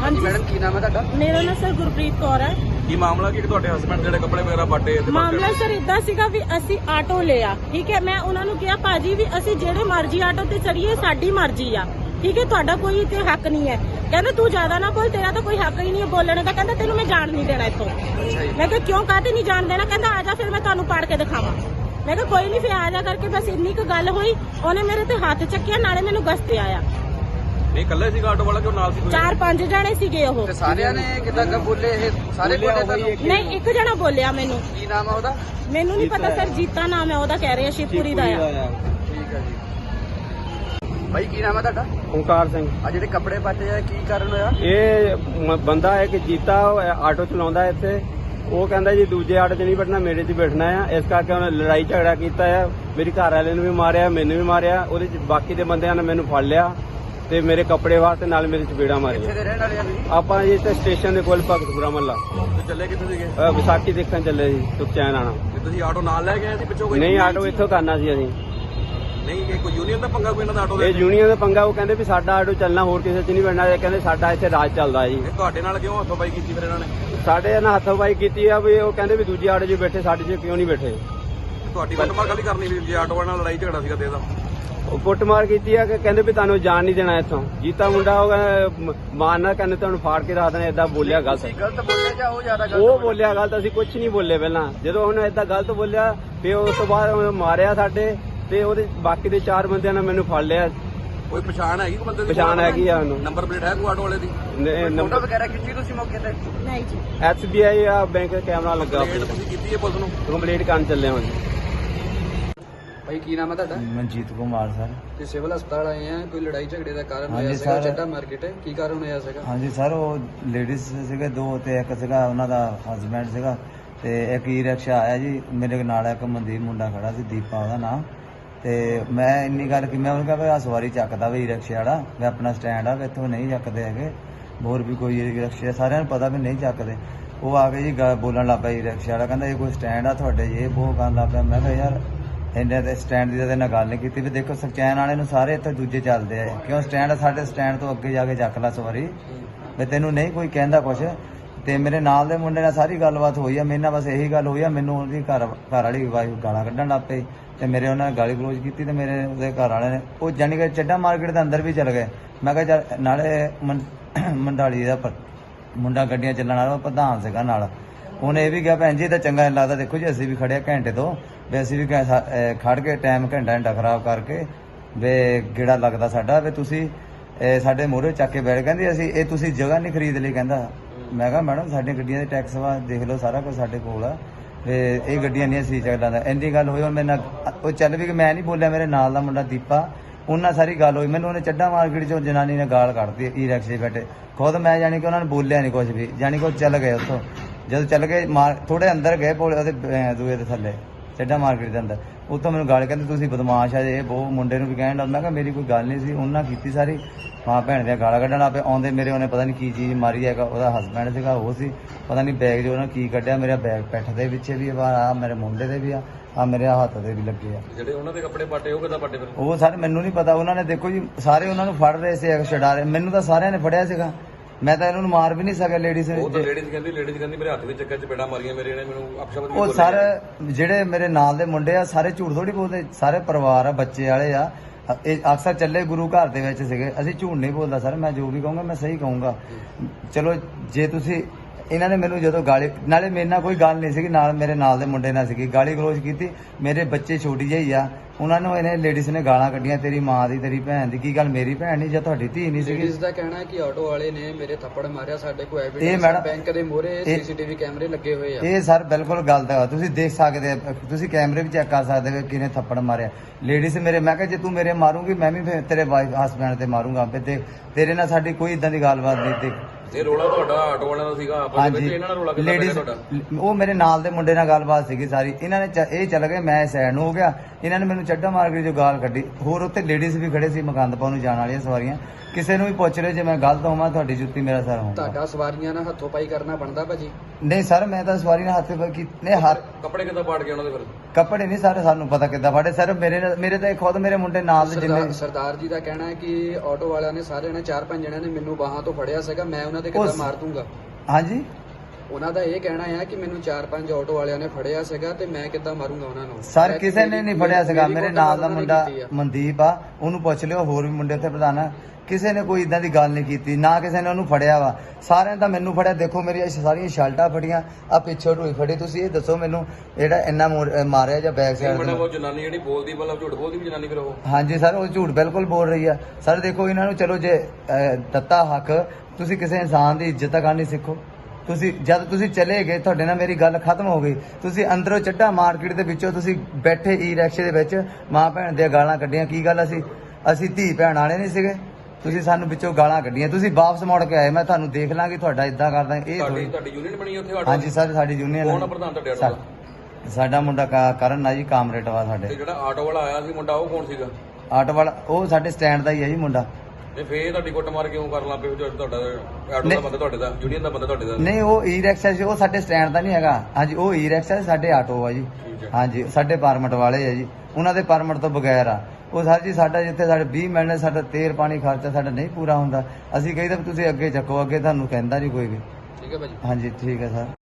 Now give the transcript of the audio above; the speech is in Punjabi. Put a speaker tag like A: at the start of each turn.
A: हाँ जी
B: मैडम की नाम है ਤੁਹਾਡਾ?
A: मेरा नाम सर गुरप्रीत कौर है।
C: ਕੀ ਮਾਮਲਾ ਕਿ ਤੁਹਾਡੇ ਹਸਬੰਡ ਜਿਹੜੇ ਕੱਪੜੇ ਵਗੈਰਾ ਪਾਟੇ ਤੇ
A: ਮਾਮਲਾ ਸਰ ਇਦਾਂ ਸੀਗਾ ਵੀ ਅਸੀਂ ਆਟੋ ਲਿਆ, ਠੀਕ ਹੈ। ਮੈਂ ਉਹਨਾਂ ਨੂੰ ਕਿਹਾ ਭਾਜੀ ਵੀ ਅਸੀਂ ਜਿਹੜੇ ਮਰਜ਼ੀ ਆਟੋ ਤੇ ਚੜੀਏ, ਸਾਡੀ ਮਰਜ਼ੀ ਆ, ਠੀਕ ਹੈ, ਤੁਹਾਡਾ ਕੋਈ ਇੱਥੇ ਹੱਕ ਨਹੀਂ ਹੈ। ਕਹਿੰਦੇ ਤੂੰ ਜ਼ਿਆਦਾ ਨਾ ਬੋਲ, ਤੇਰਾ ਤਾਂ ਕੋਈ ਹੱਕ ਹੀ ਨਹੀਂ ਹੈ ਬੋਲਣ ਦਾ। ਕਹਿੰਦਾ ਤੈਨੂੰ ਮੈਂ ਜਾਣ ਨਹੀਂ ਦੇਣਾ ਇੱਥੋਂ। ਮੈਂ ਕਿਹਾ ਕਿਉਂ, ਕਾਹਤੇ ਨਹੀਂ ਜਾਣ ਦੇਣਾ? ਕਹਿੰਦਾ ਆ ਜਾ ਫਿਰ ਮੈਂ ਤੁਹਾਨੂੰ ਪਾੜ ਕੇ ਦਿਖਾਵਾਂ। ਮੈਂ ਕਿਹਾ ਕੋਈ ਨਹੀਂ, ਫਿਰ ਆ ਜਾ ਕਰਕੇ ਬਸ ਇੰਨੀ ਕੁ ਗੱਲ ਹੋਈ। ਉਹਨੇ ਮੇਰੇ ਤੇ ਹੱਥ ਚੱਕਿਆ, ਨਾਲੇ ਮੈਨੂੰ ਗਸਤੇ ਆਇਆ।
C: ਨਹੀਂ ਕੱਲੇ ਸੀਗਾ ਆਟੋ ਵਾਲਾ ਕਿ ਨਾਲ ਸੀ ਕੋਈ?
A: 4-5 ਜਣੇ ਸੀਗੇ ਉਹ।
B: ਤੇ ਸਾਰਿਆਂ ਨੇ ਕਿਦਾਂ ਬੋਲੇ? ਇਹ ਸਾਰੇ ਬੋਲੇ ਤੁਹਾਨੂੰ?
A: ਨਹੀਂ, ਇੱਕ ਜਣਾ ਬੋਲਿਆ ਮੈਨੂੰ।
B: ਕੀ ਨਾਮ ਹੈ ਉਹਦਾ?
A: ਮੈਨੂੰ ਨਹੀਂ ਪਤਾ ਸਰ, ਜੀਤਾ ਨਾਮ ਹੈ ਉਹਦਾ, ਕਹਿ ਰਹੇ ਸ਼ਿਵਪੁਰੀ ਦਾ ਆ।
B: ਠੀਕ ਹੈ ਜੀ। ਭਾਈ ਕੀ ਨਾਮ ਹੈ ਤੁਹਾਡਾ?
D: ਓਂਕਾਰ ਸਿੰਘ।
B: ਆ ਜਿਹੜੇ ਕੱਪੜੇ ਪਾਟੇ ਆ ਕੀ ਕਾਰਨ ਹੋਇਆ?
D: ਇਹ ਬੰਦਾ ਹੈ ਕਿ ਜੀਤਾ ਆਟੋ ਚਲਾਉਂਦਾ ਇੱਥੇ। ਉਹ ਕਹਿੰਦਾ ਜੀ ਦੂਜੇ ਆਟੋ 'ਚ ਨਹੀਂ ਬੈਠਣਾ, ਮੇਰੇ 'ਚ ਬੈਠਣਾ ਆ। ਇਸ ਕਰਕੇ ਉਹਨੇ ਲੜਾਈ ਝਗੜਾ ਕੀਤਾ ਆ। ਮੇਰੀ ਘਰ ਵਾਲੇ ਨੂੰ ਵੀ ਮਾਰਿਆ, ਮੈਨੂੰ ਵੀ ਮਾਰਿਆ। ਉਹਦੇ 'ਚ ਬਾਕੀ ਦੇ ਬੰਦਿਆਂ ਨੇ ਮੈਨੂੰ ਫੜ ਲਿਆ ਤੇ ਮੇਰੇ ਕੱਪੜੇ ਵਾਸਤੇ ਨਾਲ ਮੇਰੇ ਚਪੇੜਾ
B: ਕਿੱਥੇ
D: ਮਾਰੀਆਂ।
B: ਦੇ ਰਹਿਣ ਵਾਲੇ ਆ ਤੁਸੀਂ?
D: ਆਪਾਂ ਜੀ ਇੱਥੇ ਸਟੇਸ਼ਨ ਦੇ ਕੋਲ ਭਗਤਪੁਰਾ ਮਹੱਲਾ
C: ਤੇ ਚੱਲੇ ਕਿੱਥੇ ਸੀਗੇ?
D: ਵਿਸਾਖੀ ਦੇਖਣ ਚੱਲੇ ਸੀ, ਸੁਖਚੈਨ ਆਣਾ।
C: ਤੇ ਤੁਸੀਂ ਆਟੋ ਨਾਲ ਲੈ ਗਏ ਸੀ ਪਿੱਛੋਂ ਕੋਈ?
D: ਨਹੀਂ, ਆਟੋ ਇੱਥੋਂ ਕਰਨਾ ਸੀ ਅਸੀਂ।
C: ਨਹੀਂ ਇਹ ਕੋਈ ਯੂਨੀਅਨ ਦਾ ਪੰਗਾ ਕੋਈ ਇਹਨਾਂ ਦਾ ਆਟੋ ਦਾ?
D: ਇਹ ਯੂਨੀਅਨ ਦਾ ਪੰਗਾ। ਉਹ ਕਹਿੰਦੇ ਵੀ ਸਾਡਾ ਆਟੋ ਚੱਲਣਾ, ਹੋਰ ਕਿਸੇ 'ਚ ਨਹੀਂ ਬੈਠਣਾ। ਇਹ ਕਹਿੰਦੇ ਸਾਡਾ ਇੱਥੇ ਰਾਜ ਚੱਲਦਾ ਜੀ।
C: ਇਹ ਤੁਹਾਡੇ ਨਾਲ ਕਿਉਂ ਹੱਥੋਂ-ਪਾਈ ਕੀਤੀ ਫਿਰ ਇਹਨਾਂ ਨੇ?
D: ਸਾਡੇ ਨਾਲ ਹੱਥੋਂ-ਪਾਈ ਕੀਤੀ ਆ ਵੀ ਉਹ ਕਹਿੰਦੇ ਵੀ ਦੂਜੇ ਆਟੋ 'ਚ ਬੈਠੇ, ਸਾਡੇ 'ਚ ਕਿਉਂ ਨਹੀਂ ਬੈਠੇ।
C: ਤੁਹਾਡੀ ਕੁੱਟਮਾਰ ਕਾਹਦੀ ਕਰਨੀ ਸੀ ਜੇ ਆਟੋ ਵਾਲੇ ਨਾਲ ਲੜਾਈ ਝਗੜਾ ਸੀਗਾ ਤੇ ਇਹਦਾ?
D: ਉਹ ਕੁੱਟਮਾਰ ਕੀਤੀ ਆ ਕਿ ਕਹਿੰਦੇ ਵੀ ਤੁਹਾਨੂੰ ਜਾਣ ਨਹੀਂ ਦੇਣਾ ਇੱਥੋਂ। ਜੀਤਾ ਮੁੰਡਾ ਉਹ ਮਾਰਨਾ, ਕਹਿੰਦੇ ਤੁਹਾਨੂੰ ਫਾੜ ਕੇ ਰੱਖ ਦੇਣਾ। ਏਦਾਂ ਬੋਲਿਆ ਗਲਤ।
B: ਤੁਸੀਂ ਗਲਤ ਬੋਲੇ ਜਾਂ ਉਹ ਜ਼ਿਆਦਾ ਗਲਤ?
D: ਉਹ ਬੋਲਿਆ ਗਲਤ, ਅਸੀਂ ਕੁਝ ਨਹੀਂ ਬੋਲੇ ਪਹਿਲਾਂ। ਜਦੋਂ ਉਹਨੇ ਏਦਾਂ ਗਲਤ ਬੋਲਿਆ ਫਿਰ ਉਸ ਤੋਂ ਬਾਅਦ ਉਹਨੇ ਮਾਰਿਆ ਸਾਡੇ ਤੇ ਉਹਦੇ ਬਾਕੀ ਦੇ 4 ਬੰਦਿਆਂ ਨੇ ਮੈਨੂੰ ਫੜ ਲਿਆ।
C: ਕੋਈ ਪਛਾਣ ਹੈਗੀ ਕੋਈ ਬੰਦੇ ਦੀ?
D: ਪਛਾਣ ਹੈਗੀ ਆ ਉਹਨੂੰ।
C: ਨੰਬਰ ਪਲੇਟ ਹੈ ਕੋਈ ਆਟੋ ਵਾਲੇ ਦੀ?
B: ਫੋਟੋ ਵਗੈਰਾ ਖਿੱਚੀ ਤੁਸੀਂ ਮੌਕੇ ਤੇ?
A: ਨਹੀਂ ਜੀ।
D: SBI ਆ ਬੈਂਕ ਕੈਮਰਾ ਲੱਗਾ।
C: ਕੰਪਲੇਂਟ ਤੁਸੀਂ ਕੀਤੀ ਹੈ ਪੁਲਿਸ ਨੂੰ?
D: ਕੰਪਲੀਟ ਕਰਨ ਚੱਲੇ ਹਾਂ ਜੀ।
B: ਭਾਈ ਕੀ ਨਾਮ ਹੈ ਤੁਹਾਡਾ?
E: ਮਨਜੀਤ ਕੁਮਾਰ ਸਰ।
B: ਤੇ ਸਿਵਲ ਹਸਪਤਾਲ ਆਏ ਆ, ਕੋਈ ਲੜਾਈ ਝਗੜੇ ਦਾ ਕਾਰਨ
E: ਹਾਂਜੀ
B: ਹੋਇਆ ਸੀਗਾ
E: ਸਰ।
B: ਚੱਡਾ ਮਾਰਕੀਟ ਹੈ, ਕੀ ਕਾਰਨ ਹੋਇਆ ਸੀਗਾ?
E: ਹਾਂਜੀ ਸਰ, ਉਹ ਲੇਡੀਜ਼ ਸੀਗੇ 2 ਤੇ ਇੱਕ ਸੀਗਾ ਉਹਨਾਂ ਦਾ ਹਸਬੈਂਡ ਸੀਗਾ। ਤੇ ਇੱਕ ਈ ਰਿਕਸ਼ਾ ਆਇਆ ਜੀ ਮੇਰੇ ਨਾਲ, ਇੱਕ ਮਨਦੀਪ ਮੁੰਡਾ ਖੜਾ ਸੀ, ਦੀਪਾ ਉਹਦਾ ਨਾਮ। ਤੇ ਮੈਂ ਇੰਨੀ ਗੱਲ ਕਿ ਮੈਂ ਉਹਨੂੰ ਕਿਹਾ ਵੀ ਆ ਸਵਾਰੀ ਚੱਕਦਾ ਵੀ ਈ ਰਿਕਸ਼ੇ ਵਾਲਾ, ਮੈਂ ਆਪਣਾ ਸਟੈਂਡ ਆ ਵੀ ਇੱਥੋਂ ਨਹੀਂ ਚੱਕਦੇ ਹੈਗੇ, ਹੋਰ ਵੀ ਕੋਈ ਈ ਰਿਕਸ਼ੇ ਸਾਰਿਆਂ ਨੂੰ ਪਤਾ ਵੀ ਨਹੀਂ ਚੱਕਦੇ। ਉਹ ਆ ਕੇ ਜੀ ਬੋਲਣ ਲੱਗ ਪਿਆ ਈ ਰਿਕਸ਼ੇ ਵਾਲਾ, ਕਹਿੰਦਾ ਇਹ ਕੋਈ ਸਟੈਂਡ ਆ ਤੁਹਾਡੇ, ਇਹ ਬਹੁਤ ਕਰਨ ਲੱਗ ਪਿਆ। ਮੈਂ ਕਿਹਾ ਯਾਰ ਇੰਨੇ ਤੇ ਸਟੈਂਡ ਦੀ ਤਾਂ ਇਹਨਾਂ ਗੱਲ ਨਹੀਂ ਕੀਤੀ ਵੀ ਦੇਖੋ ਸੁਖਚੈਨ ਵਾਲੇ ਨੂੰ ਸਾਰੇ ਇੱਥੇ ਦੂਜੇ ਚੱਲਦੇ ਆ, ਕਿਉਂ ਸਟੈਂਡ ਸਾਡੇ ਸਟੈਂਡ ਤੋਂ ਅੱਗੇ ਜਾ ਕੇ ਚੱਕ ਲਾ ਸਵਾਰੀ ਵੀ ਤੈਨੂੰ ਨਹੀਂ ਕੋਈ ਕਹਿੰਦਾ ਕੁਛ। ਤੇ ਮੇਰੇ ਨਾਲ ਦੇ ਮੁੰਡੇ ਨਾਲ ਸਾਰੀ ਗੱਲਬਾਤ ਹੋਈ ਆ, ਮੇਰੇ ਨਾਲ ਬਸ ਇਹੀ ਗੱਲ ਹੋਈ ਆ। ਮੈਨੂੰ ਉਹਦੀ ਘਰ ਵਾਲੀ ਵਾਈਫ ਗਾਲਾਂ ਕੱਢਣ ਲੱਗ ਪਈ ਤੇ ਮੇਰੇ ਉਹਨਾਂ ਨੇ ਗਾਲੀ ਗਲੋਚ ਕੀਤੀ ਤੇ ਮੇਰੇ ਉਹਦੇ ਘਰ ਵਾਲੇ ਨੇ ਉਹ ਜਾਨੀ ਕਿ ਚੱਡਾ ਮਾਰਕੀਟ ਦੇ ਅੰਦਰ ਵੀ ਚਲ ਗਏ। ਮੈਂ ਕਿਹਾ ਚੱਲ ਨਾਲੇ ਮੰਡਾਲੀ ਦਾ ਮੁੰਡਾ ਗੱਡੀਆਂ ਚੱਲਣ ਵਾਲਾ ਪ੍ਰਧਾਨ ਸੀਗਾ ਨਾਲ, ਉਹਨੇ ਇਹ ਵੀ ਕਿਹਾ ਭੈਣ ਜੀ ਤਾਂ ਚੰਗਾ ਨਹੀਂ ਲੱਗਦਾ, ਦੇਖੋ ਜੀ ਅਸੀਂ ਵੀ ਖੜਿਆ ਘੰਟੇ ਤੋਂ ਵੀ ਅਸੀਂ ਵੀ ਖੜ ਕੇ ਟਾਈਮ ਘੰਟਾ ਖਰਾਬ ਕਰਕੇ ਵੇ ਗੇੜਾ ਲੱਗਦਾ ਸਾਡਾ ਵੀ ਤੁਸੀਂ ਸਾਡੇ ਮੂਹਰੇ ਚੱਕ ਕੇ ਬੈਠ। ਕਹਿੰਦੀ ਅਸੀਂ ਇਹ ਤੁਸੀਂ ਜਗ੍ਹਾ ਨਹੀਂ ਖਰੀਦ ਲਈ। ਕਹਿੰਦਾ ਮੈਂ ਕਿਹਾ ਮੈਡਮ ਸਾਡੀਆਂ ਗੱਡੀਆਂ ਦੇ ਟੈਕਸ ਵਾ ਦੇਖ ਲਓ, ਸਾਰਾ ਕੁਝ ਸਾਡੇ ਕੋਲ ਆ, ਇਹ ਗੱਡੀਆਂ ਨਹੀਂ ਅਸੀਂ ਚੱਲਦਾ। ਇੰਨੀ ਗੱਲ ਹੋਈ। ਹੁਣ ਮੇਰੇ ਨਾਲ ਉਹ ਚੱਲ ਵੀ ਕਿ ਮੈਂ ਨਹੀਂ ਬੋਲਿਆ, ਮੇਰੇ ਨਾਲ ਦਾ ਮੁੰਡਾ ਦੀਪਾ ਉਹਨਾਂ ਸਾਰੀ ਗੱਲ ਹੋਈ। ਮੈਨੂੰ ਉਹਨੇ ਚੱਡਾ ਮਾਰਕੀਟ 'ਚੋਂ ਜਨਾਨੀ ਨੇ ਗਾਲ ਕੱਢਦੀ ਈ ਰਿਕਸ਼ੇ ਬੈਠੇ ਖੁਦ। ਮੈਂ ਜਾਣੀ ਕਿ ਉਹਨਾਂ ਨੇ ਬੋਲਿਆ ਨਹੀਂ ਕੁਝ ਵੀ, ਜਾਣੀ ਕਿ ਉਹ ਚੱਲ ਗਏ ਉੱਥੋਂ। ਜਦੋਂ ਚੱਲ ਗਏ ਥੋੜੇ ਅੰਦਰ ਗਏ ਉਹਦੇ ਦੂਏ ਦੇ ਥੱਲੇ ਚੱਡਾ ਮਾਰਕੀਟ ਦੇ ਅੰਦਰ, ਉੱਥੋਂ ਮੈਨੂੰ ਗਾਲ ਕਹਿੰਦੇ ਤੁਸੀਂ ਬਦਮਾਸ਼ ਆ ਜੇ, ਬਹੁਤ ਮੁੰਡੇ ਨੂੰ ਵੀ ਕਹਿਣ ਲੱਗ। ਮੈਂ ਕਿਹਾ ਮੇਰੀ ਕੋਈ ਗੱਲ ਨਹੀਂ ਸੀ, ਉਹਨਾਂ ਕੀਤੀ ਸਾਰੀ ਮਾਂ ਭੈਣ ਦੀਆਂ ਗਾਲਾਂ ਕੱਢਣ ਲੱਗ ਪਏ। ਆਉਂਦੇ ਮੇਰੇ ਉਹਨੇ ਪਤਾ ਨਹੀਂ ਕੀ ਚੀਜ਼ ਮਾਰੀ ਹੈਗਾ, ਉਹਦਾ ਹਸਬੈਂਡ ਸੀਗਾ ਉਹ ਸੀ, ਪਤਾ ਨਹੀਂ ਬੈਗ 'ਚ ਉਹਨਾਂ ਕੀ ਕੱਢਿਆ। ਮੇਰਾ ਬੈਗ ਪਿੱਠ ਦੇ ਪਿੱਛੇ ਵੀ ਆ, ਮੇਰੇ ਮੁੰਡੇ ਦੇ ਵੀ ਆ ਮੇਰੇ ਹੱਥ ਦੇ ਵੀ ਲੱਗੇ ਆ।
C: ਜਿਹੜੇ ਉਹਨਾਂ ਦੇ ਕੱਪੜੇ ਪਾਟੇ ਉਹ ਕਿੱਦਾਂ ਪਾਟੇ ਫਿਰ?
E: ਉਹ ਸਾਰੇ ਮੈਨੂੰ ਨਹੀਂ ਪਤਾ। ਉਹਨਾਂ ਨੇ ਦੇਖੋ ਜੀ ਸਾਰੇ ਉਹਨਾਂ ਨੂੰ ਫੜ ਰਹੇ ਸੀ, ਛਡਾ ਰਹੇ। ਮੈਨੂੰ ਤਾਂ ਸਾਰਿਆਂ ਨੇ ਫੜਿਆ ਸੀਗਾ, ਮੈਂ ਤਾਂ ਇਹਨਾਂ ਨੂੰ ਮਾਰ ਵੀ ਨਹੀਂ ਸਕਿਆ। ਲੇਡੀਜ਼
C: ਉਹ ਤਾਂ ਲੇਡੀਜ਼ ਕਹਿੰਦੀ ਮੇਰੇ ਹੱਥ ਦੇ ਚੱਕਰ 'ਚ ਪੇੜਾ ਮਾਰੀਆਂ ਮੇਰੇ ਨੇ, ਮੈਨੂੰ ਅਪਸ਼ਬਦ ਵੀ
E: ਉਹ
C: ਬੋਲੇ।
E: ਸਾਰੇ ਜਿਹੜੇ ਮੇਰੇ ਨਾਲ ਦੇ ਮੁੰਡੇ ਆ ਸਾਰੇ ਝੂਠ ਥੋੜੀ ਬੋਲਦੇ, ਸਾਰੇ ਪਰਿਵਾਰ ਆ, ਬੱਚੇ ਵਾਲੇ ਆ। ਇਹ ਅਕਸਰ ਚੱਲੇ ਗੁਰੂ ਘਰ ਦੇ ਵਿੱਚ ਸੀਗੇ। ਅਸੀਂ ਝੂਠ ਨਹੀਂ ਬੋਲਦਾ ਸਰ, ਮੈਂ ਜੋ ਵੀ ਕਹੂੰਗਾ ਮੈਂ ਸਹੀ ਕਹੂੰਗਾ। ਚਲੋ ਜੇ ਤੁਸੀਂ ਇਹਨਾਂ ਨੇ ਮੈਨੂੰ ਜਦੋਂ ਗਾਲੀ, ਨਾਲੇ ਮੇਰੇ ਨਾਲ ਕੋਈ ਗੱਲ ਨਹੀਂ ਸੀਗੀ, ਨਾਲ ਮੇਰੇ ਨਾਲ ਦੇ ਮੁੰਡੇ ਨਾਲ ਸੀਗੀ, ਗਾਲੀ ਗਲੋਚ ਕੀਤੀ। ਮੇਰੇ ਬੱਚੇ ਛੋਟੀ ਜਿਹੀ ਆ, ਉਹਨਾਂ ਨੂੰ ਇਹਨੇ ਲੇਡੀਜ਼ ਨੇ ਗਾਲਾਂ ਕੱਢੀਆਂ, ਤੇਰੀ ਮਾਂ ਦੀ ਤੇਰੀ ਭੈਣ ਦੀ। ਕੀ ਗੱਲ ਮੇਰੀ ਭੈਣ ਨਹੀਂ ਜਾਂ ਤੁਹਾਡੀ ਧੀ ਨਹੀਂ ਸੀਗੀ?
B: ਲੇਡੀਜ਼ ਦਾ ਕਹਿਣਾ ਹੈ ਕਿ ਆਟੋ ਵਾਲੇ ਨੇ ਮੇਰੇ ਥੱਪੜ ਮਾਰਿਆ, ਸਾਡੇ ਕੋਲ
E: ਇਹ
B: ਐਵੀਡੈਂਸ
E: ਮੈਡਮ-
B: ਬੈਂਕ ਦੇ ਮੂਹਰੇ ਸੀਸੀਟੀਵੀ ਕੈਮਰੇ ਲੱਗੇ ਹੋਏ ਆ।
E: ਇਹ ਸਰ ਬਿਲਕੁਲ ਗਲਤ ਹੈ, ਤੁਸੀਂ ਦੇਖ ਸਕਦੇ ਹੋ, ਤੁਸੀਂ ਕੈਮਰੇ ਵੀ ਚੈੱਕ ਕਰ ਸਕਦੇ ਹੋ ਕਿਹਨੇ ਥੱਪੜ ਮਾਰਿਆ। ਲੇਡੀਜ਼ ਮੇਰੇ, ਮੈਂ ਕਿਹਾ ਜੇ ਤੂੰ ਮੇਰੇ ਮਾਰੂਗੀ ਮੈਂ ਵੀ ਫਿਰ ਤੇਰੇ ਵਾਈਫ ਹਸਬੈਂਡ ਤੇ ਮਾਰੂੰਗਾ। ਤੇ ਤੇਰੇ ਨਾਲ ਸਾਡੀ ਕੋਈ ਇਦਾਂ ਦੀ ਗੱਲਬਾਤ ਨਹੀਂ। ਦੇਖ
C: ਇਹ ਰੋਲਾ ਤੁਹਾਡਾ ਆਟੋ ਵਾਲਿਆਂ ਦਾ ਸੀਗਾ ਆਪਸ ਵਿੱਚ, ਇਹਨਾਂ ਨਾਲ ਰੋਲਾ ਕਿੱਦਾਂ ਪਿਆ
E: ਲੇਡੀਜ਼
C: ਤੁਹਾਡਾ?
E: ਉਹ ਮੇਰੇ ਨਾਲ ਦੇ ਮੁੰਡੇ ਨਾਲ ਗੱਲਬਾਤ ਸੀਗੀ ਸਾਰੀ। ਇਹਨਾਂ ਨੇ ਇਹ ਚੱਲ ਗਏ, ਮੈਂ ਸਾਈਡ ਨੂੰ ਹੋ ਗਿਆ। ਇਹਨਾਂ ਨੇ ਮੈਨੂੰ ਚੱਡਾ ਮਾਰਕੀਟ 'ਚੋਂ ਗਾਲ ਕੱਢੀ। ਹੋਰ ਉੱਥੇ ਲੇਡੀਜ਼ ਵੀ ਖੜੇ ਸੀ, ਮਕੰਦਪਾ ਨੂੰ ਜਾਣ ਵਾਲੀਆਂ ਸਵਾਰੀਆਂ। ਕਿਸੇ ਨੂੰ ਵੀ ਪੁੱਛ ਲਿਓ, ਜੇ ਮੈਂ ਗਲਤ ਹੋਵਾਂ ਤੁਹਾਡੀ ਜੁੱਤੀ ਮੇਰਾ ਸਰ ਹੋਊਗਾ।
B: ਤੁਹਾਡਾ ਸਵਾਰੀਆਂ ਨਾਲ ਹੱਥੋਂ ਪਾਈ ਕਰਨਾ ਬਣਦਾ ਭਾਜੀ?
E: ਨਹੀਂ ਸਰ, ਮੈਂ ਤਾਂ ਸਵਾਰੀ ਨਾਲ ਹੱਥ ਪਾ ਕੀਤੇ ਹੱਥ
C: ਕੱਪੜੇ ਕਿੱਦਾਂ ਪਾੜ ਗਏ ਉਹਨਾਂ ਦੇ ਫਿਰ?
E: ਕੱਪੜੇ ਨਹੀਂ ਸਰ, ਸਾਨੂੰ ਪਤਾ ਕਿੱਦਾਂ ਫੜੇ ਸਰ। ਮੇਰੇ ਤਾਂ ਖੁਦ ਮੇਰੇ ਮੁੰਡੇ ਨਾਲ ਦੇ ਜਿੰਨੇ
B: ਸਰਦਾਰ ਜੀ ਦਾ ਕਹਿਣਾ ਹੈ ਕਿ ਆਟੋ ਵਾਲਿਆਂ ਨੇ ਸਾਰਿਆਂ ਨੇ 4-5 ਜਣਿਆਂ ਨੇ ਮੈਨੂੰ ਬਾਹਾਂ ਤੋਂ ਫੜਿਆ ਸੀਗਾ, ਮੈਂ ਉਹਨਾਂ ਤੇ ਕਿੱਦਾਂ ਮਾਰ ਦੂੰਗਾ।
E: ਹਾਂਜੀ,
B: ਉਹਨਾਂ ਦਾ ਇਹ ਕਹਿਣਾ ਹੈ ਕਿ ਮੈਨੂੰ 4-5 ਆਟੋ ਵਾਲਿਆਂ ਨੇ ਫੜਿਆ ਸੀਗਾ ਤੇ ਮੈਂ ਕਿੱਦਾਂ ਮਾਰੂੰਗਾ ਉਹਨਾਂ ਨੂੰ।
E: ਸਰ ਕਿਸੇ ਨੇ ਨਹੀਂ ਫੜਿਆ ਸੀਗਾ। ਮੇਰੇ ਨਾਲ ਦਾ
B: ਉਹਨਾਂ ਨੇ
E: ਮੁੰਡਾ
B: ਕੀਤੀ ਆ।
E: ਮਨਦੀਪ ਆ, ਉਹਨੂੰ ਪੁੱਛ ਲਿਓ, ਹੋਰ ਵੀ ਮੁੰਡੇ ਉੱਥੇ ਪ੍ਰਧਾਨ ਆ, ਕਿਸੇ ਨੇ ਕੋਈ ਇਦਾਂ ਦੀ ਗੱਲ ਨਹੀਂ ਕੀਤੀ, ਨਾ ਕਿਸੇ ਨੇ ਉਹਨੂੰ ਫੜਿਆ ਵਾ। ਸਾਰਿਆਂ ਨੇ ਤਾਂ ਮੈਨੂੰ ਫੜਿਆ। ਦੇਖੋ ਮੇਰੀਆਂ ਸਾਰੀਆਂ ਸ਼ਰਟਾਂ ਫੜੀਆਂ, ਆ ਪਿੱਛੋਂ ਢੋਈ ਫੜੀ। ਤੁਸੀਂ ਇਹ ਦੱਸੋ ਮੈਨੂੰ, ਜਿਹੜਾ ਇੰਨਾ ਮਾਰਿਆ ਜਾਂ ਬੈਕ ਸਾਈਡ
C: ਮਤਲਬ ਉਹ ਜਨਾਨੀ ਜਿਹੜੀ ਬੋਲਦੀ ਮਤਲਬ ਝੂਠ ਬੋਲਦੀ ਵੀ ਜਨਾਨੀ ਫਿਰ ਉਹ?
E: ਹਾਂਜੀ ਸਰ, ਉਹ ਝੂਠ ਬਿਲਕੁਲ ਬੋਲ ਰਹੀ ਆ। ਸਰ ਦੇਖੋ ਇਹਨਾਂ ਨੂੰ, ਚਲੋ ਜੇ ਦਿੱਤਾ ਹੱਕ, ਤੁਸੀਂ ਕਿਸੇ ਇਨਸਾਨ ਦੀ ਇੱਜ਼ਤ ਕਰਨੀ ਸਿੱਖੋ। ਜਦ ਤੁਸੀਂ ਚਲੇ ਗਏ, ਤੁਹਾਡੇ ਨਾਲ ਮੇਰੀ ਗੱਲ ਖਤਮ ਹੋ ਗਈ। ਤੁਸੀਂ ਅੰਦਰੋਂ ਚੱਡਾ ਮਾਰਕੀਟ ਦੇ ਵਿੱਚੋਂ ਤੁਸੀਂ ਬੈਠੇ ਈ ਰਿਕਸ਼ੇ ਦੇ ਵਿੱਚ ਮਾਂ ਭੈਣ ਦੀਆਂ ਗਾਲਾਂ ਕੱਢੀਆਂ। ਕੀ ਗੱਲ, ਅਸੀਂ ਧੀ ਭੈਣ ਵਾਲੇ ਨਹੀਂ ਸੀਗੇ? ਤੁਸੀਂ ਸਾਨੂੰ ਵਿੱਚੋਂ ਗਾਲਾਂ ਕੱਢੀਆਂ। ਤੁਸੀਂ ਵਾਪਸ ਮੁੜ ਕੇ ਆਏ, ਮੈਂ ਤੁਹਾਨੂੰ ਦੇਖ ਲਾਂਗੀ, ਤੁਹਾਡਾ ਇਦਾਂ ਕਰਦਾ ਇਹ
C: ਤੁਹਾਡੀ ਯੂਨੀਅਨ ਬਣੀ ਉੱਥੇ ਆਟੋ?
E: ਹਾਂਜੀ ਸਰ, ਸਾਡੀ ਯੂਨੀਅਨ
C: ਕੌਣ ਆ ਪ੍ਰਧਾਨ ਤੁਹਾਡੇ ਆਟੋ ਦਾ?
E: ਸਾਡਾ ਮੁੰਡਾ ਕਰਨ ਆ ਜੀ, ਕਾਮਰੇਟ ਵਾ
C: ਤੇ
E: ਸਾਡੇ।
C: ਜਿਹੜਾ ਆਟੋ ਵਾਲਾ ਆਇਆ ਸੀ ਮੁੰਡਾ, ਉਹ ਕੌਣ ਸੀਗਾ?
E: ਆਟੋ ਵਾਲਾ ਉਹ ਸਾਡੇ ਸਟੈਂਡ ਦਾ ਹੀ ਹੈ ਜੀ ਮੁੰਡਾ।
C: ਤੇ ਫੇਰ ਤੁਹਾਡੀ ਕੁੱਟਮਾਰ ਕਿਉਂ ਕਰਨ ਲੱਗ ਪਏ? ਤੁਹਾਡਾ ਆਟੋ ਦਾ ਬੰਦਾ ਤੁਹਾਡੇ ਦਾ, ਯੂਨੀਅਨ ਦਾ ਬੰਦਾ ਤੁਹਾਡੇ ਦਾ?
E: ਨਹੀਂ, ਉਹ ਈ ਰਿਕਸ਼ਾ ਸੀ, ਉਹ ਸਾਡੇ ਸਟੈਂਡ ਦਾ ਨਹੀਂ ਹੈਗਾ। ਹਾਂਜੀ, ਉਹ ਈ ਰਿਕਸ਼ਾ ਸਾਡੇ ਆਟੋ ਆ ਜੀ।
C: ਠੀਕ ਹੈ।
E: ਹਾਂਜੀ, ਸਾਡੇ ਪਰਮਿਟ ਵਾਲੇ ਆ ਜੀ, ਉਹਨਾਂ ਦੇ ਪਰਮਿਟ ਤੋਂ ਬਗੈਰ ਆ ਉਹ। ਸਰ ਜੀ ਸਾਡਾ ਜਿੱਥੇ ਸਾਡੇ 20 ਮਿੰਟ ਨੇ, ਸਾਡਾ ਤੇਲ ਪਾਣੀ ਖਰਚਾ ਸਾਡਾ ਨਹੀਂ ਪੂਰਾ ਹੁੰਦਾ। ਅਸੀਂ ਕਹੀਦਾ ਵੀ ਤੁਸੀਂ ਅੱਗੇ ਚੱਕੋ, ਅੱਗੇ ਤੁਹਾਨੂੰ ਕਹਿੰਦਾ ਨਹੀਂ ਕੋਈ ਵੀ।
B: ਠੀਕ ਹੈ ਭਾਜੀ।
E: ਹਾਂਜੀ ਠੀਕ ਹੈ ਸਰ।